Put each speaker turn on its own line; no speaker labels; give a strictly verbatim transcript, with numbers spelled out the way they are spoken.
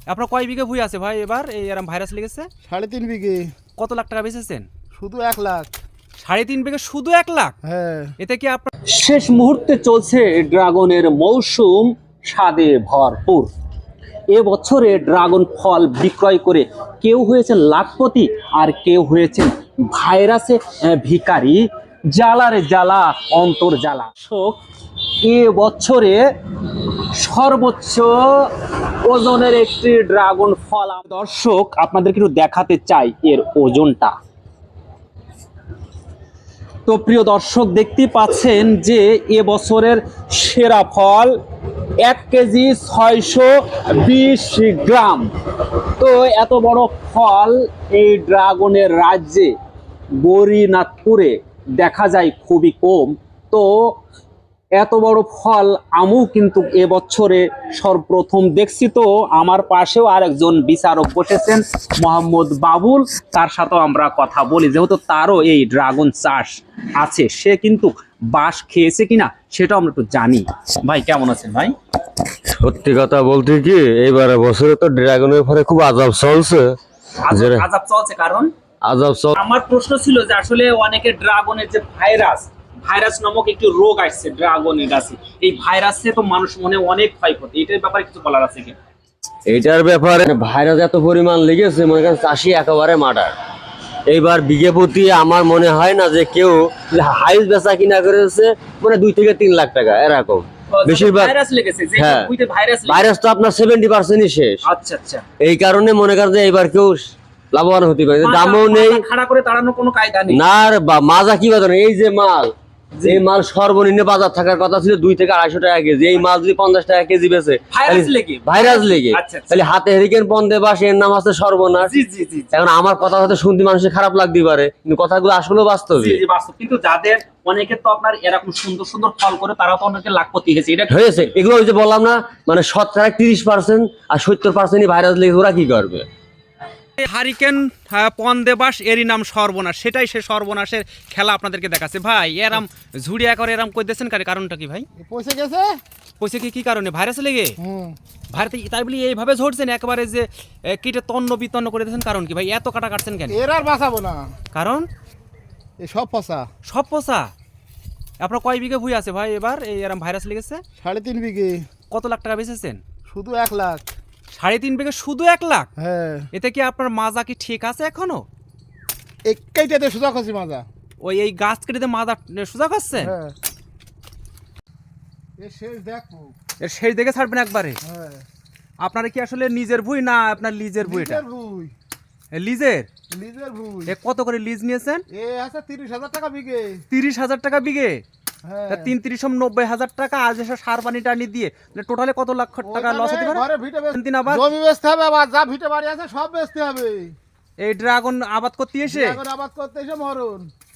আপনার কয় বিঘে ভুঁই আছে ভাই এবার এই এরম ভাইরাস লেগেছে?
সাড়ে তিন বিঘে।
কত লাখ টাকা বেচেছেন?
শুধু এক লাখ।
সাড়ে তিন বিঘে শুধু এক লাখ?
হ্যাঁ।
এতে কি আপনার শেষ মুহূর্তে চলছে ড্রাগনের মৌসুম স্বাদে ভরপুর। এ বছরে ড্রাগন ফল বিক্রয় করে কেউ হয়েছে লাখপতি আর কেউ হয়েছে ভাইরাসে ভিখারি। জ্বালারে জ্বালা অন্তর জ্বালা। শোক এ বছরে সর্বোচ্চ ওজনের একটি ড্রাগন ফল দর্শক আপনাদেরকে একটু দেখাতে চাই এর ওজনটা। তো প্রিয় দর্শক দেখতে পাচ্ছেন যে এ বছরের সেরা ফল এক কেজি ছয়শো বিশ গ্রাম। তো এত বড় ফল এই ড্রাগনের রাজ্যে গৌরীনাথপুরে দেখা যায় খুবই কম। তো এত বড় ফল আমু কিন্তু এবছরে সর্বপ্রথম দেখছি। তো আমার পাশেও আরেকজন বিচারক বসেছেন মোহাম্মদ বাবুল, তার সাথেও আমরা কথা বলি, যেহেতু তারও এই ড্রাগন চাষ আছে, সে কিন্তু বাঁশ খেয়েছে কিনা সেটাও আমরা একটু জানি। ভাই কেমন আছেন ভাই?
সত্যি কথা বলতে কি এইবারে বছরে তো ড্রাগনের ফলে খুব আজাব চলছে।
আজাব চলছে কারণ
আজাব চল
আমার প্রশ্ন ছিল যে আসলে অনেকে ড্রাগনের যে ভাইরাস ভাইরাস নামক একটি রোগ আসছে ড্রাগনের গাছে, এই ভাইরাসে তো মানুষ মনে অনেক ক্ষয়ক্ষতি, এটার ব্যাপারে কিছু বলার আছে কি?
এটার ব্যাপারে ভাইরাস এত পরিমাণ লেগেছে, মনে করেন চাষি একেবারে মার্ডার। এইবার বিঘে প্রতি আমার মনে হয় না যে কেউ হাইস বেচা কিনা করেছে মানে দুই থেকে তিন লাখ টাকা এরকম। বেশিরভাগ
ভাইরাস লেগেছে, যে
হ্যাঁ,
বুইতে ভাইরাস
ভাইরাস তো আপনার সেভেন্টি পার্সেন্টই শেষ।
আচ্ছা আচ্ছা,
এই কারণে মনে করেন যে এইবার কেউ লাভবান হতে পারে, দামও নেই,
খাড়া করে তাড়ানোর কোনো কায়দা নেই।
না মাজা কি বাজার। এই যে মাল, এই মাল সর্বনিম্ন বাজার থাকার কথা ছিল দুই থেকে আড়াইশো টাকা কেজি। এই মাল যদি পঞ্চাশ টাকা কেজি বেচে
ভাইরাস লেগে
ভাইরাস লেগে তাহলে হাতে হেরিকেন পন্দে বাস এর নাম আছে সর্বনাশ। এখন আমার কথা হয়তো শুনতে মানুষের খারাপ লাগতে পারে, কিন্তু কথাগুলো আসলে বাস্তব।
কিন্তু যাদের অনেকে তো আপনার এরকম সুন্দর সুন্দর ফল করে তারা তো অনেকে লাখপতি হয়েছে। এটা
হয়েছে এগুলো ওই যে বললাম না, মানে শতকরা তিরিশ পার্সেন্ট আর সত্তর পার্সেন্টই ভাইরাস লেগে ওরা কি করবে।
হারিকেন পন্দেবাস এরই নাম সর্বনাশ, সেটাই সে সর্বনাশের খেলা আপনাদেরকে দেখাচ্ছে। ভাই এরাম ঝুড়িয়া করে এরাম কই দিয়েছেন কারণটা কি ভাই?
পয়সা গেছে।
পয়সা কি কি কারণে? ভাইরাস লেগে?
হুম।
ভারতে তাই বলি এইভাবে ঝরছেন একেবারে যে কিটে তন্ন বিতন্ন করে দিয়েছেন, কারণ কি ভাই এত কাটা কাটছেন কেন?
এর আর বাঁচাবো না,
কারণ
এই সব পচা।
সব পচা? আপনার কয় বিঘে ভুঁই আছে ভাই এবার এই এরম ভাইরাস লেগেছে?
সাড়ে তিন বিঘে।
কত লাখ টাকা বেচেছেন?
শুধু এক লাখ।
সাড়ে তিন বিঘে শুধু এক লাখ?
হ্যাঁ।
এতে কি আপনার মাজা কি ঠিক আছে এখনো?
একটাইটাতে সোজা করছি মাজা।
ওই এই গাছ কেটে মাজা সোজা করছেন?
হ্যাঁ। এর শেষ দেখো।
এর শেষ দেখে ছাড়বেন একবারে?
হ্যাঁ।
আপনার কি আসলে নিজের ভুঁই না আপনার লিজের ভুঁই? এটা
লিজের ভুঁই।
লিজের?
লিজের ভুঁই।
এ কত করে লিজ নিয়েছেন?
এ আছে তিরিশ হাজার টাকা বিঘে।
তিরিশ হাজার টাকা বিঘে?
হ্যাঁ।
তিন তিরিশ নব্বই হাজার টাকা আজ এসে সার পানি টানি দিয়ে টোটালে কত লাখ টাকা লস হতে পারে?
ঘরে ভিটে বেচ-
তিন আবার
জমি বেচতে হবে, আবার যা ভিটে বাড়ি আছে সব বেচতে হবে।
এই ড্রাগন আবাদ করতে এসে
এখন আবাদ করতে এসে মরণ।